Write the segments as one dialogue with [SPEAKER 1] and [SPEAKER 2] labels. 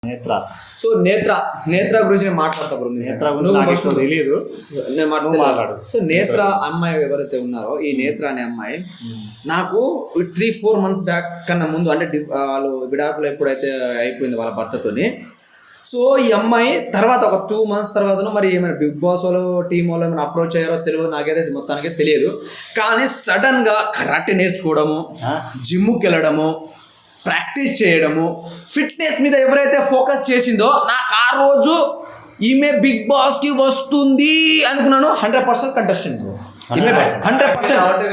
[SPEAKER 1] నేత్ర.
[SPEAKER 2] సో నేత్ర గురించి నేను మాట్లాడతా బ్రో.
[SPEAKER 1] నేత్ర గురించి నాకు ఇష్టం తెలియదు,
[SPEAKER 2] నేను
[SPEAKER 1] మాట్లాడు.
[SPEAKER 2] సో నేత్ర అమ్మాయి ఎవరైతే ఉన్నారో, ఈ నేత్ర అనే అమ్మాయి నాకు 3-4 months బ్యాక్ కన్నా ముందు, అంటే వాళ్ళు విడాకులు ఎప్పుడైతే అయిపోయింది వాళ్ళ భర్తతోని, సో ఈ అమ్మాయి తర్వాత ఒక 2 months తర్వాత మరి ఏమైనా బిగ్ బాస్ వాళ్ళు టీం వాళ్ళు ఏమైనా అప్రోచ్ అయ్యారో తెలియదు, నాకైతే మొత్తానికి తెలియదు. కానీ సడన్గా కరాటే నేర్చుకోవడము, జిమ్కి వెళ్ళడము, ప్రాక్టీస్ చేయడము, ఫిట్నెస్ మీద ఎవరైతే ఫోకస్ చేసిందో, నాకు ఆ రోజు ఈమె బిగ్ బాస్కి వస్తుంది అనుకున్నాను. 100% కంటెస్టెంట్. 100%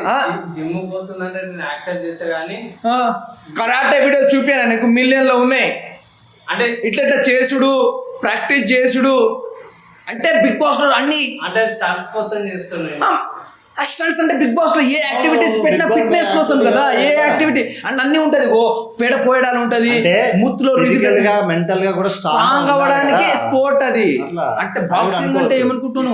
[SPEAKER 2] కరాటే వీడియోలు చూపాను నీకు, మిలియన్లో ఉన్నాయి. అంటే ఇట్లా చేసుడు, ప్రాక్టీస్ చేసుడు, అంటే బిగ్ బాస్ లో అన్ని
[SPEAKER 3] అంటే స్టంట్స్ కోసం చేస్తున్నాయి.
[SPEAKER 2] స్టంట్స్ అంటే బిగ్ బాస్ లో ఏ యాక్టివిటీస్ పెట్టినా ఫిట్నెస్ కోసం కదా, ఏ యాక్టివిటీ అండ్ అన్ని ఉంటది. పెడ పోయడాలు ఉంటది, ముత్తులో
[SPEAKER 1] ఫిజికల్ గా మెంటల్ గా కూడా
[SPEAKER 2] స్ట్రాంగ్ అవ్వడానికి స్పోర్ట్ అది. అంటే బాక్సింగ్ అంటే ఏమనుకుంటున్నావు,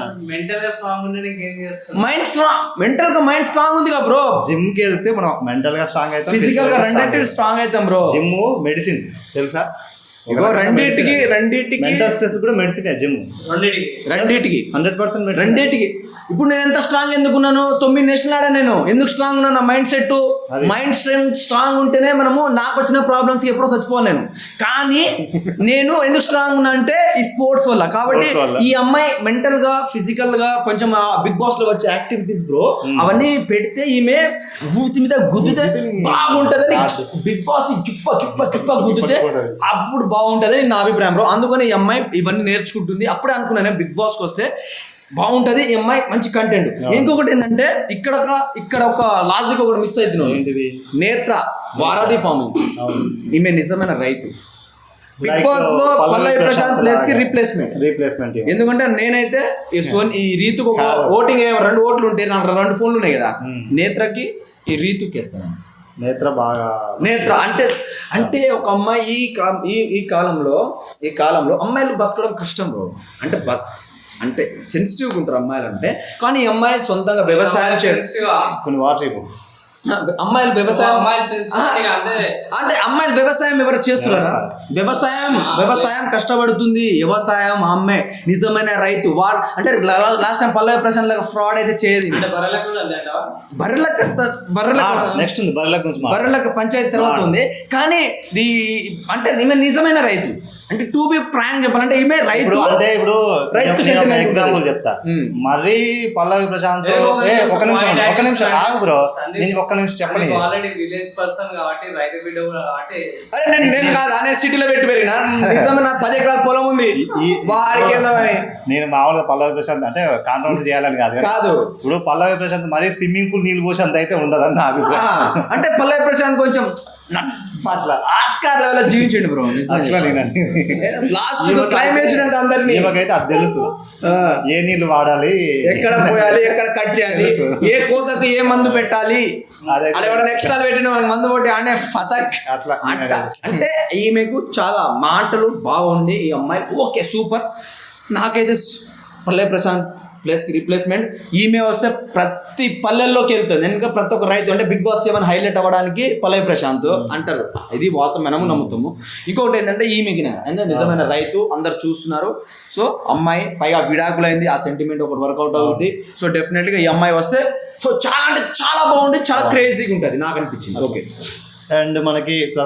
[SPEAKER 2] మైండ్ స్ట్రాంగ్, మెంటల్ గా మైండ్ స్ట్రాంగ్ ఉంది కదా బ్రో.
[SPEAKER 1] జిమ్ కి వెళ్తే మనం మెంటల్ గా స్ట్రాంగ్ అవుతాం,
[SPEAKER 2] ఫిజికల్ గా రెండింటికి స్ట్రాంగ్ అవుతాం బ్రో.
[SPEAKER 1] జిమ్ మెడిసిన్ తెలుసా,
[SPEAKER 2] రెండింటికి
[SPEAKER 1] మెంటల్ స్ట్రెస్ కూడా మెడిసిన్. జిమ్
[SPEAKER 2] రెండింటికి
[SPEAKER 1] 100%
[SPEAKER 2] రెండింటికి. ఇప్పుడు నేను ఎంత స్ట్రాంగ్ ఎందుకున్నాను, 9 నేషనల్ ఆడా నేను ఎందుకు స్ట్రాంగ్ ఉన్నాను, నా mind set, mind strength strong ఉంటేనే మనము, నాకు వచ్చిన ప్రాబ్లమ్స్కి ఎప్పుడో చచ్చిపోను నేను. కానీ నేను ఎందుకు స్ట్రాంగ్ ఉన్నా అంటే ఈ స్పోర్ట్స్ వల్ల. కాబట్టి ఈ అమ్మాయి మెంటల్ గా ఫిజికల్ గా కొంచెం బిగ్ బాస్ లో వచ్చే యాక్టివిటీస్ బ్రో, అవన్నీ పెడితే ఈమె బూత్ మీద గుద్దితే బాగుంటదని, బిగ్ బాస్ కిప్ప కిప్ప కిప్ప గుద్దితే అప్పుడు బాగుంటదని నా అభిప్రాయం బ్రో. అందుకని ఈ అమ్మాయి ఇవన్నీ నేర్చుకుంటుంది. అప్పుడే అనుకున్నాను బిగ్ బాస్కి వస్తే బాగుంటది ఈ అమ్మాయి, మంచి కంటెంట్. ఇంకొకటి ఏంటంటే ఇక్కడ ఒక లాజిక్ ఒకటి మిస్ అవుతున్నావు. నేత్ర వారాది ఫార్మింగ్, ఈమె నిజమైన రైతు. బిగ్ బాస్ లో పల్లవి ప్రశాంత్ ప్లేస్ కి రీప్లేస్మెంట్. ఎందుకంటే నేనైతే ఈ రీతుకు ఒక ఓటింగ్ 2 ఓట్లు ఉంటే నాకు 2 ఫోన్లు ఉన్నాయి కదా, నేత్రకి ఈ రీతుకి వేస్తాను. నేత్ర అంటే ఒక అమ్మాయి ఈ కాలంలో అమ్మాయిలు బతకడం కష్టం బ్రో. అంటే సెన్సిటివ్గా ఉంటారు అమ్మాయిలు అంటే. కానీ ఈ అమ్మాయి సొంతంగా వ్యవసాయం
[SPEAKER 1] కొన్ని వాటర్
[SPEAKER 2] అమ్మాయిలు వ్యవసాయం అంటే అమ్మాయిలు వ్యవసాయం ఎవరు చేస్తున్నారా? వ్యవసాయం కష్టపడుతుంది. వ్యవసాయం అమ్మాయి నిజమైన రైతు. అంటే లాస్ట్ టైం పల్లవి ప్రశాంత్ లాగా ఫ్రాడ్ అయితే చేయదు. బర్రెలకు పంచాయతీ తర్వాత ఉంది. కానీ అంటే ఈమె నిజమైన రైతు. అంటే టు బి ప్రాంక్ చెప్పాలంటే ఈమె రైతు.
[SPEAKER 1] అంటే ఇప్పుడు ఎగ్జాంపుల్ చెప్తా. మరి పల్లవి ప్రశాంత్ ఒక నిమిషం ఆగు బ్రో, నేను ఒక్క నిమిషం చెప్పండి.
[SPEAKER 2] అరే నేను కాదు, నేను సిటీలో పెట్టి పెరిగినా, నిజంగా నాకు 10 ఎకరాల పొలం ఉంది. వాడికి
[SPEAKER 1] నేను మామూలుగా పల్లవి ప్రశాంత్ అంటే కాంట్రవర్సీ చేయాలని కాదు. ఇప్పుడు పల్లవి ప్రశాంత్ మరీ స్విమ్మింగ్ పూల్ నీళ్ళు పోసి అంత అయితే ఉండదని నా అభిప్రాయం.
[SPEAKER 2] అంటే పల్లవి ప్రశాంత్ కొంచెం ఆస్కార్ లెవెల్ జీవించండి బ్రో. లాస్ట్ క్లైమేట్ అంతా అందరినీ
[SPEAKER 1] నాకైతే అది తెలుసు. ఏ నీళ్లు వాడాలి,
[SPEAKER 2] ఎక్కడ పోయాలి, ఎక్కడ కట్ చేయాలి, ఏ కోతకు ఏ మందు పెట్టాలి, ఎక్స్ట్రా పెట్టిన మందు కొట్టి ఆడే ఫసక్ అట్లా. అంటే ఈమెకు చాలా మాటలు బాగుంది ఈ అమ్మాయి. Okay super. నాకైతే పల్లవి ప్రశాంత్ ప్లేస్కి రీప్లేస్మెంట్. ఈమె వస్తే ప్రతి పల్లెల్లోకి వెళ్తుంది. ఎందుకంటే ప్రతి ఒక్క రైతు అంటే బిగ్ బాస్ 7 హైలైట్ అవ్వడానికి పల్లవి ప్రశాంత్ అంటారు. ఇది వాస్తవం, మనము నమ్ముతాము. ఇంకొకటి ఏంటంటే ఈమెకి అంటే నిజమైన రైతు, అందరు చూస్తున్నారు. సో అమ్మాయి పైగా విడాకులైంది, ఆ సెంటిమెంట్ ఒకటి వర్కౌట్ అవుతుంది. సో డెఫినెట్గా ఈ అమ్మాయి వస్తే సో చాలా అంటే చాలా బాగుంటుంది, చాలా క్రేజీగా ఉంటుంది నాకు అనిపించింది. ఓకే.
[SPEAKER 1] అండ్ మనకి